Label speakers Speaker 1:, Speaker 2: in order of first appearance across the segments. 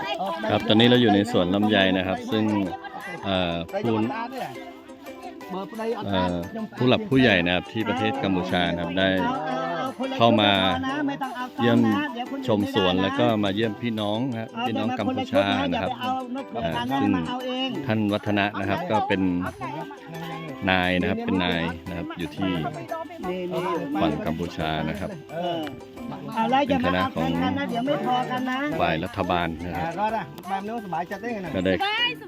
Speaker 1: ครับตอนนี้เราอยู่ในสวนลำไยนะครับซึ่งผู้หลักผู้ใหญ่นะครับที่ประเทศกัมพูชานะครับได้เข้ามาเยี่ยมชมสวนแล้วก็มาเยี่ยมพี่น้องนะครับพี่น้องกัมพูชานะครับซึ่งท่านวัฒนะนะครับก็เป็นนายนะครับเป็นนายนะครับอยู่ที่ฝั่งกัมพูชานะครับเป็นคณะของฝ่ายรัฐบาลนะครับก็ได้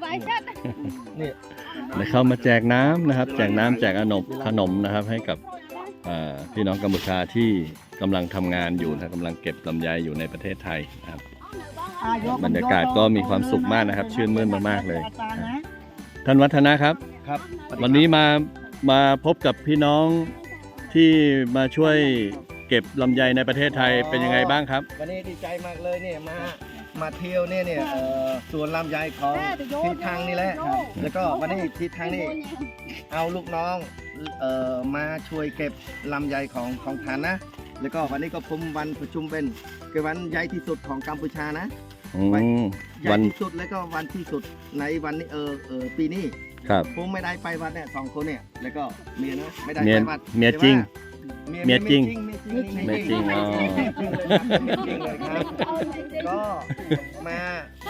Speaker 1: ได้เข้ามาแจกน้ำนะครับแจกน้ำแจกขนมนะครับให้กับพี่น้องกัมพูชาที่กำลังทำงานอยู่นะกำลังเก็บลำไยอยู่ในประเทศไทยนะครับบรรยากาศก็มีความสุขมากนะครับชื่นมื่นมากๆเลยท่านวัฒนะครับวันนี้มาพบกับพี่น้องที่มาช่วยเก็บลำไยในประเทศไทยเป็นยังไงบ้างครับ
Speaker 2: วันนี้ดีใจมากเลยเนี่ยมาเที่ยวเนี่ยสวนลำไยของทิศทางนี่แหละแล้วก็วันนี้ทิศทางนี่เอาลูกน้องมาช่วยเก็บลำไยของฐานนะแล้วก็วันนี้ก็ผมวันประชุมเป็นคือวันใหญ่ที่สุดของกัมพูชานะใหญ่ที่สุดแล้วก็วันที่สุดในวันนี้ปีนี้ผมไม่ได้ไปวัดเนี่ย2 คนเนี่ยแล้วก็เมียนะไม่ได้ไปวัด
Speaker 1: เมียจริงเมียจริง
Speaker 2: อ๋อจริงเลยครับก็มา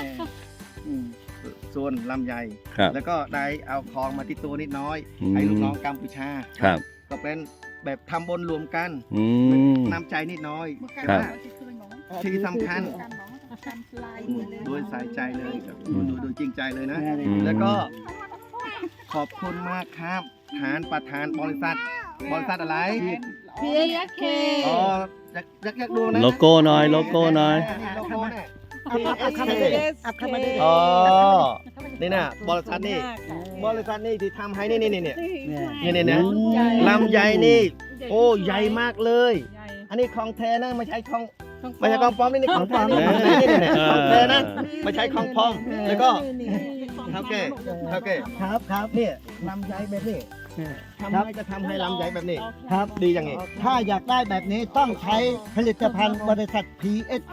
Speaker 2: ส่วนลำไยแล้วก็ได้เอาคลองมาที่ตัวนิดน้อยให้ลูกน้องกัมพูชาก็เป็นแบบทำบุญรวมกันน้ำใจนิดน้อยที่สำคัญโดยใส่ใจเลยโดยจริงใจเลยนะแล้วก็ขอบคุณมากครับประธานบริษัทอะไร
Speaker 3: PSK
Speaker 2: อ๋ออยากดูนะ
Speaker 1: โลโก้หน่อยโลโก้หน่อย
Speaker 2: อ๋อนี่นะบริษัทนี่ที่ทำให้นี่นะลำไยนี่โอ้ใหญ่มากเลยอันนี้ของแท้นะไม่ใช่ของปลอมนี่ของปลอมนี่ของแท้นะไม่ใช่ของปลอมแล้วก็โอเคครับเนี่ยลำไยแบบนี้ทำไมจะทำให้ลำไยแบบนี้ครับดีอย่างนี้
Speaker 4: ถ้าอยากได้แบบนี้ต้องใช้ผลิตภัณฑ์บริษัท PSK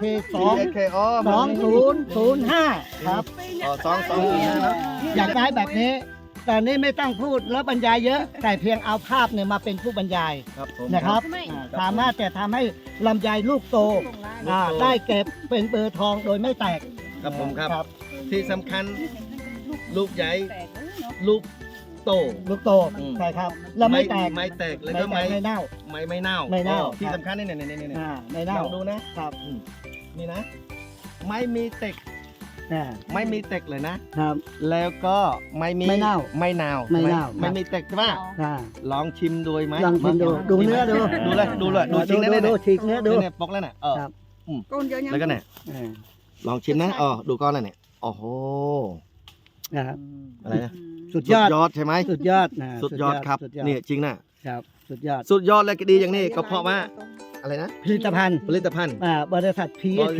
Speaker 4: 2005ครับ
Speaker 2: 205นะ
Speaker 4: อยากได้แบบนี้ตอนนี้ไม่ต้องพูดแล้วบรรยายเยอะแต่เพียงเอาภาพเนี่ยมาเป็นผู้บรรยายนะครับสามารถจะทำให้ลำไยลูกโตได้เก็บเป็นเบอร์ทองโดยไม่แตก
Speaker 2: ครับผมครับที่สำคัญลูกใหญ่ลูกโต
Speaker 4: ใช่ครับแล้วไม่แตก
Speaker 2: แล้วก็ไม่เน่าที่สำคัญนี่
Speaker 4: ไม่เน่า
Speaker 2: ดูนะครับนี่นะไม่มีเต็กเลยนะครับแล้วก็ไม่เน่าไม่มีเต็กใช่ป่ะลองชิมดูไหม
Speaker 4: ลองชิมดูเนื้อดู
Speaker 2: ชิมได้
Speaker 4: ดูฉีกเนื้อดู
Speaker 2: เนี่ยปกแล้วน่ะแล้วก็เนี่ยลองชิมนะดูก้อนน่ะเนี่ยโอ้โห
Speaker 4: นะครับ
Speaker 2: อะไรนะ
Speaker 4: สุดยอด
Speaker 2: ใช่ไหม
Speaker 4: สุดยอด
Speaker 2: ครับนี่จริงนะครับ
Speaker 4: สุดยอด
Speaker 2: และดีอย่างนี้ก็เพราะว่าอะไรนะ
Speaker 4: ผลิตภัณฑ์บริษัท PSK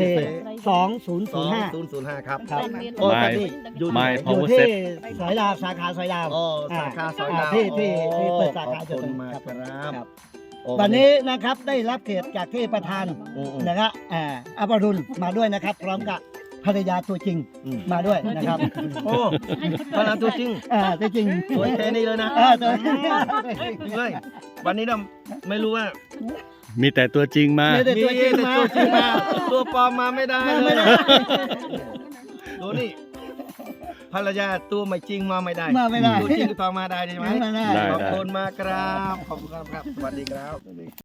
Speaker 2: 2005ครับ
Speaker 1: ไม่
Speaker 4: อยู่ที่สอยดาวสาขาสอยดาว
Speaker 2: สาขาสอยดาว
Speaker 4: ที่เปิดสาขาจนครับวันนี้นะครับได้รับเกียรติจากที่ประธานนะครับอภรุณมาด้วยนะครับพร้อมกับภรรยาตัวจริงมาด้วยนะครับ
Speaker 2: โอ้ภรรยาตัวจริงสวยแค่นี้เลยนะเลยวันนี้เราไม่รู้ว่า
Speaker 1: มีแต่ตัวจริงมา
Speaker 2: ตัวปลอมมาไม่ได้ดูนี่ภรรยาตัวไม่จริงมาไม่ได้ตัวจริงตัวมาได้ใช่ไหมขอบคุณมากครับขอบคุณครับสวัสดีครับ